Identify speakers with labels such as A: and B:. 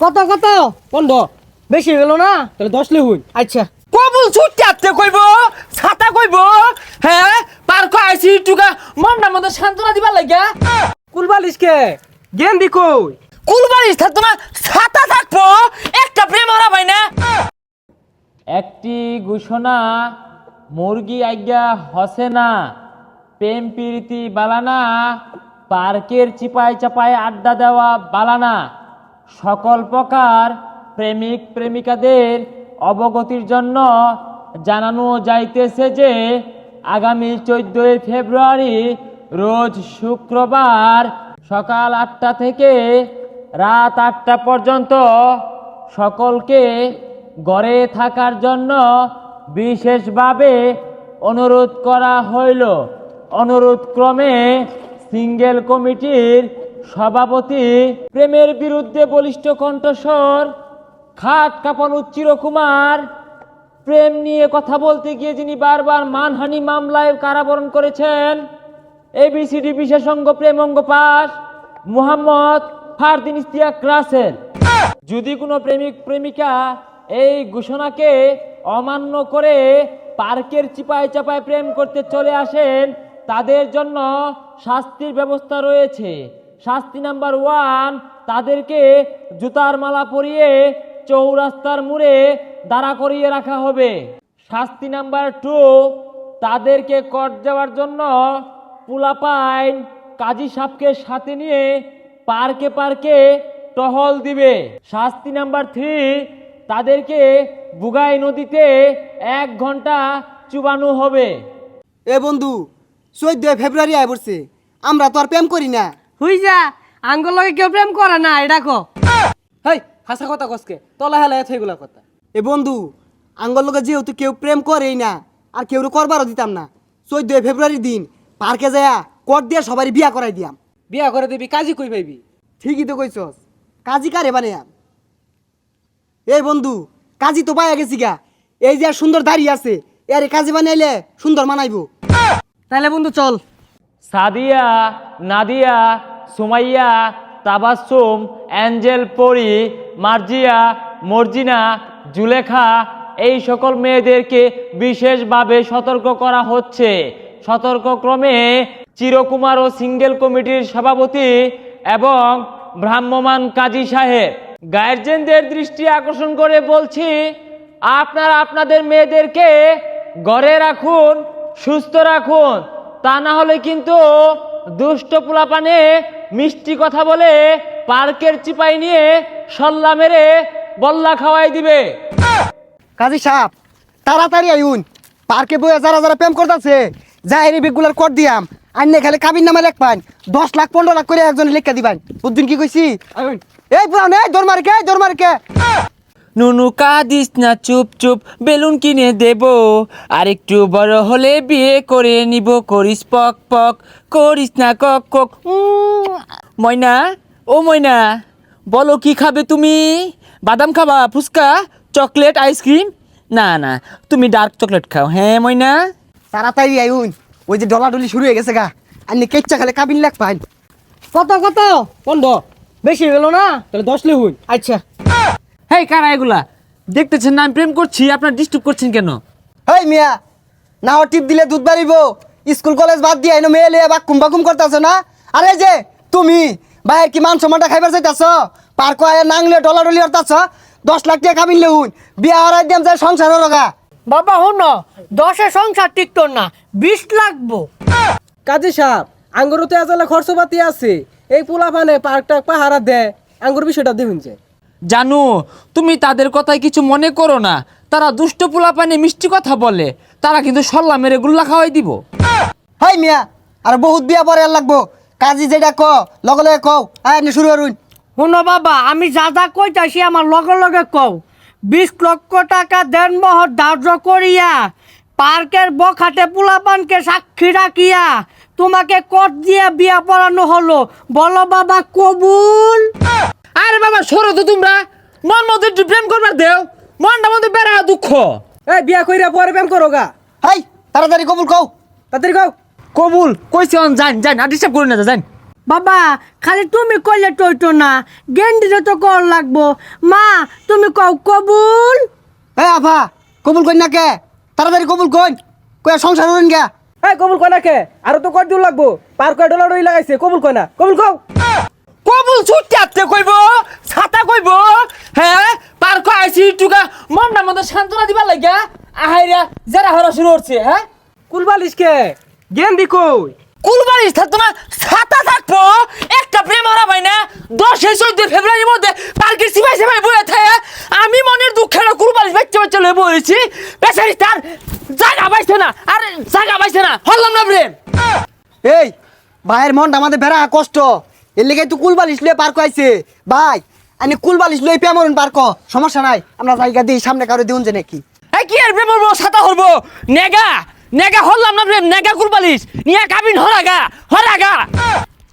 A: কত কত 15 বেশি গেল না তাহলে 10 লিখুন। আচ্ছা
B: কবুল ছুটতে আতে কইব ছাতা কইব হ্যাঁ পার্ক আইছি টুকা মনটা মতো সান্ত্বনা দিবার লাগিয়া
A: কুলবালিশ কে গেম দি কই
B: কুলবাড়ি থাকতো না ছাতা থাকবো একটা প্রেম হারা ভাই না। একটি ঘোষণা মুরগি আজ্ঞা হসে না প্রেম প্রীতি বালানা পার্কের চিপায় চাপায় আড্ডা দেওয়া বালানা সকল প্রকার প্রেমিক প্রেমিকাদের অবগতির জন্য জানানো যাইতেছে যে আগামী 14 ফেব্রুয়ারি রোজ শুক্রবার সকাল 8টা থেকে রাত 8টা পর্যন্ত সকলকে ঘরে থাকার জন্য বিশেষভাবে অনুরোধ করা হইল। অনুরোধ ক্রমে সিঙ্গেল কমিটির সভাপতি প্রেমের বিরুদ্ধে বলিষ্ঠ কণ্ঠস্বর খাট কাঁপানো চিরকুমার প্রেম নিয়ে কথা বলতে গিয়ে যিনি বারবার মানহানি মামলায় কারাবরণ করেছেন এবিসিডি বিশেষজ্ঞ প্রেম অঙ্গ পাস মোহাম্মদ ফারদিন ইশতিয়াক রাসেল। যদি কোনো প্রেমিক প্রেমিকা এই ঘোষণাকে অমান্য করে পার্কের চিপায় চাপায় প্রেম করতে চলে আসেন তাদের জন্য শাস্তির ব্যবস্থা রয়েছে। শাস্তি নাম্বার 1, তাদেরকে জুতার মালা পরিয়ে চৌরাস্তার মোড়ে দাঁড়া করিয়ে রাখা হবে। শাস্তি নাম্বার 2, তাদেরকে কট যাওয়ার জন্য পুলাপাইন কাজী সাহেবকে সাথে নিয়ে পার্কে পার্কে টহল দিবে। শাস্তি নাম্বার 3, তাদেরকে বুগাই নদীতে 1 ঘন্টা চুবানো হবে।
C: এ বন্ধু 14 ফেব্রুয়ারি আয় পড়ছে, আমরা তো আর প্রেম করি না।
A: হুই যা আঙ্গুল লগে কেউ প্রেম করে না এটা কো।
B: হেই হাসা কথা কসকে তলা হেলা এগুলা কথা।
C: এ বন্ধু আঙ্গল লোকে যেহেতু কেউ প্রেম করেই না আর কেউ করবারও দিতাম না, 14 ফেব্রুয়ারির দিন পার্কে যায়া কোট দিয়ে সবারই বিয়া করাই দিয়াম।
B: বিয়া করে দিবি কাজী কই পাইবি?
C: ঠিকই তো কইছস, কাজী কারে বানাইয়াম। এই বন্ধু কাজী তো পাইয়া গেছি গা, এই যে আর সুন্দর দাঁড়িয়ে আছে এর কাজী বানাইলে সুন্দর মানাইবো।
A: তাহলে বন্ধু চল।
B: সাদিয়া, নাদিয়া, সুমাইয়া, তাবাসসুম, অ্যাঞ্জেল, পরি, মার্জিয়া, মর্জিনা, জুলেখা এই সকল মেয়েদেরকে বিশেষভাবে সতর্ক করা হচ্ছে। সতর্কক্রমে চিরকুমার ও সিঙ্গেল কমিটির সভাপতি এবং ভ্রাম্যমাণ কাজী সাহেব গার্জেনদের দৃষ্টি আকর্ষণ করে বলছি, আপনারা আপনাদের মেয়েদেরকে ঘরে রাখুন, সুস্থ রাখুন, তা না হলে কিন্তু দুষ্ট পোলাপানে মিষ্টি কথা বলে পার্কের চিপাই নিয়ে সল্লা মেরে বল্লা খাওয়াই দিবে।
C: কাজী সাহেব তাড়াতাড়ি আইউন, পার্কে বইয়া যারা যারা প্রেম করতেছে যাই বেগুলার কোট দিয়াম, আইনে খালি কাবির নামে লেখ পান 10 লাখ 15 লাখ করে একজন লেখা দিবেন। বুঝদিন কি কইছি? এই পুরান এই দরমারকে
B: নুনু কাঁদিস না চুপ চুপ, বেলুন কিনে দেব, আর একটু বড় হলে বিয়ে করে নিব, করিস পক পক, করিস না কক কক। ময়না, ও ময়না, বলো কি খাবে তুমি? বাদাম খাবা, ফুচকা, চকলেট, আইসক্রিম? না না, তুমি ডার্ক চকলেট খাও। হ্যাঁ ময়না,
C: তাড়াতাড়ি আইউন, ওই যে ডলাডলি শুরু হয়ে গেছে গা, আইনে কেচ্চা খালি কাবিন লেখ পান।
A: কত কত 15 বেশি গেল না তাহলে 10 লিখুন। আচ্ছা
B: হেই কারা এগুলা? দেখতেছেন না আমি প্রেম করছি, আপনার ডিস্টার্ব করছেন কেন?
C: হেই মিয়া, না ও টিপ দিলে দুধ বাড়িব, স্কুল কলেজ বাদ দিয়ে আইনো মেয়ে লিয়ে বাকুম বাকুম করতেছ না? আরে যে তুমি ভাইয়ের কি মান সম্মানটা খাইবার চাইতেছ? পার্ক আয়া নাংলে ডলাডলি হরতাছ, 10 লাখ টাকা কাবিন লেহুন, বিয়া হরাই দিয়াম যায় সংসার লগা।
A: বাবা হন 10-এ সংসার টিকতো না, 20 লাগবো। কাজী সাহেব আঙ্গুর তো এজালে খরচপাতি আছে, এই পোলাপানে পার্কটা পাহারা দেয়, আঙ্গুর বিষয়টা দেখুন যে।
B: জানো, তুমি তাদের কথায় কিছু মনে করো না, তারা দুষ্ট পোলাপানে মিষ্টি কথা বলে, তারা কিন্তু সল্লা মেরে গুল্লা খাওয়াই দিব।
C: হাই মিয়া, আর বহুত বিয়া পরে আর লাগবো, কাজী যেটা ক লগে লগে কও, আয় শুরু করুন।
A: শুনো বাবা, আমি যা যা কইতাছি আমার লগে লগে কও। 20 লক্ষ টাকা দেনমোহর ধার্য করিয়া পার্কের বখাটে পোলাপানকে সাক্ষী রাখিয়া তোমাকে কোট দিয়ে বিয়া পড়ানো হলো, বলো বাবা কবুল?
B: আরে বাবা সরো তো তোমরা, মন মতো একটু প্রেম করবার দেও, মনটা মধ্যে বেড়া দুঃখ।
A: এই বিয়া কইরা পরে প্রেম করো গা।
C: হাই তাড়াতাড়ি কবুল কও।
A: তাড়াতাড়ি কও।
B: কবুল কইছে, যান যান, আর ডিস্টার্ব করুন না, যান।
A: বাবা খালি তুমি কইলে টইতো না গেন্ডিরে তো কর লাগবো মা তুমি কও কবুল
C: এ আফা কবুল কইন না কে তাড়াতাড়ি কবুল কইন কই সংসার হইন গে
D: এই কবুল কয় না কে আরো তো কয় দূর লাগবো পার কয় ডলার লাগাইছে কবুল কয় না কবুল কও
B: কবুল ছুটতে আপতে কইব ছাতা কইব হ্যাঁ পার্ক আইছি টুকা মনটা মতো সান্ত্বনা দিবার লাগিয়া আহাইরা যারা হরা শুরু হচ্ছে হ্যাঁ
D: কুলবালিশ কে গেন্দি কই
B: কুলবাড়ির থাকতো না ছাতা থাকবো একটা প্রেম হারা ভাই না 10-14 ফেব্রুয়ারির মধ্যে পার্কের সিপাই সিপাই বয়ে থাকে আমি মনের দুঃখের কুলবাড়ির বাচ্চা বাচ্চা লয়ে বলেছি বেচারি তার জায়গা পাইছে না আর জায়গা পাইছে না হল্লাম না প্রেম
C: এই ভাইয়ের মনটা আমাদের বেড়া কষ্ট এর লেগে তুই কুলবালিশ লয়ে পার্ক আইছে ভাই আনি কুলবালিশ লয়ে পেমরন পার্ক সমস্যা নাই আমরা জায়গা দিই সামনে কারো দিউন যে নাকি
B: এই কি আর প্রেম হবো ছাতা হরবো নেগা নেগা হল্লাম না প্রেম নেগা কুলবালিশ নিয়ে কাবিন হরাগা